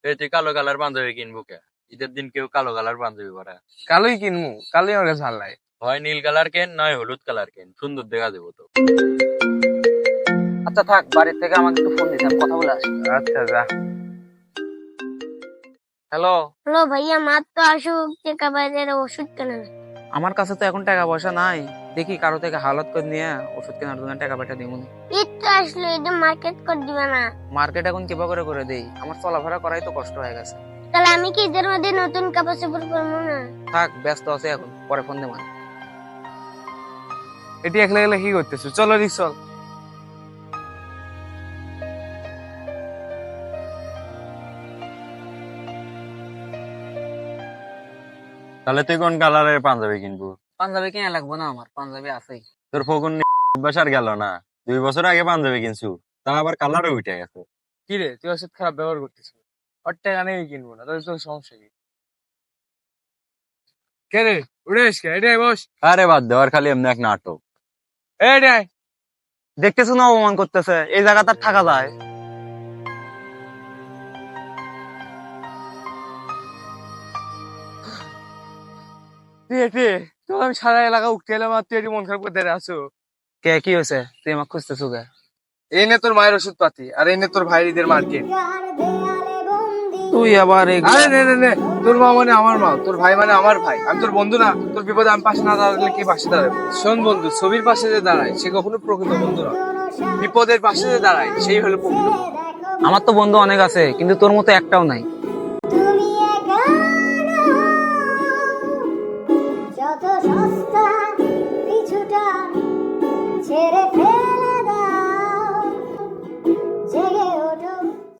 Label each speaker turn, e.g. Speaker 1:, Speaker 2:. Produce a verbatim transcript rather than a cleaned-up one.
Speaker 1: এই তুই কালো কালার পাঞ্জাবি কিনবো কে? ঈদের দিন কেউ কালো কালার পাঞ্জাবি পরে?
Speaker 2: কালোই কিনবো, কালোই আমার কাছে ভালো লাগে।
Speaker 1: হয় নীল কালার কেন, নয় হলুদ কালার কেন, সুন্দর দেখা দেবো তো।
Speaker 3: আচ্ছা থাক, বাড়ির থেকে আমাকে একটু ফোন দিতে, আমি কথা বলে আসি।
Speaker 2: আচ্ছা যা। হ্যালো।
Speaker 4: হ্যালো ভাইয়া, মার তো আসুক টাকা বাজার ওষুধ কেনা।
Speaker 3: আমার কাছে তো এখন টাকা পয়সা নাই, দেখি কারো থেকে হালত করে নিয়ে ওষুধ কেনার জন্য টাকা পয়সা দিব।
Speaker 4: ঈদ তো আসলো, এটা মার্কেট করে দিবে না?
Speaker 3: মার্কেট এখন কিবা করে করে দেই, আমার চলাফেরা করাই তো কষ্ট হয়ে গেছে।
Speaker 4: তাহলে আমি কি ঈদের মধ্যে নতুন কাপড় চোপড় করবো না?
Speaker 3: থাক, ব্যস্ত আছে এখন, পরে ফোন দেব।
Speaker 2: এটি একলা একলা কি করতেছো? চলো রিক চল।
Speaker 1: তাহলে তুই কোন কালারের পাঞ্জাবি কিনবো?
Speaker 3: পাঞ্জাবি কিনা লাগবো না, আমার পাঞ্জাবি আছেই।
Speaker 1: তোর ফকুন বাসার গেল না? দুই বছর আগে পাঞ্জাবি কিনছু, তা আবার কালারও উঠে গেছে।
Speaker 2: কি রে, তুই ওর সাথে খারাপ ব্যবহার করতেছিস? ওর টাকা নেই কিনবো না, তাহলে তোর সমস্যা কি? কে রে, উঠে এসকে, এটাই বস।
Speaker 1: আরে বাদ দেওয়ার খালি এমনি এক নাটক।
Speaker 2: এটাই
Speaker 3: দেখতেছো না অপমান করতেছে, এই জায়গা তার থাকা যায়?
Speaker 2: তুই এটি, তোর আমি সারা এলাকা উঠতে এলাম আর তুই এটি মন খারাপ করে দাঁড়িয়ে আছো।
Speaker 3: কে, কি হয়েছে? তুই আমাকে খুঁজতেছো কে?
Speaker 2: এই নে তোর মায়ের ওষুধ পাতি, আর এই নে তোর ভাইয়ের ঈদের মার্কেট।
Speaker 3: তুই আবার
Speaker 2: আরে নে নে নে, তোর মা মানে আমার মা, তোর ভাই মানে আমার ভাই। আমি তোর বন্ধু না? তোর বিপদে আমি পাশে না দাঁড়ালে কি পাশে দাঁড়াবে? শোন বন্ধু, ছবির পাশে যে দাঁড়ায় সে কখনো প্রকৃত বন্ধু না, বিপদের পাশে যে দাঁড়ায় সেই হলো প্রকৃত বন্ধু।
Speaker 3: আমার তো বন্ধু অনেক আছে, কিন্তু তোর মতো একটাও নাই।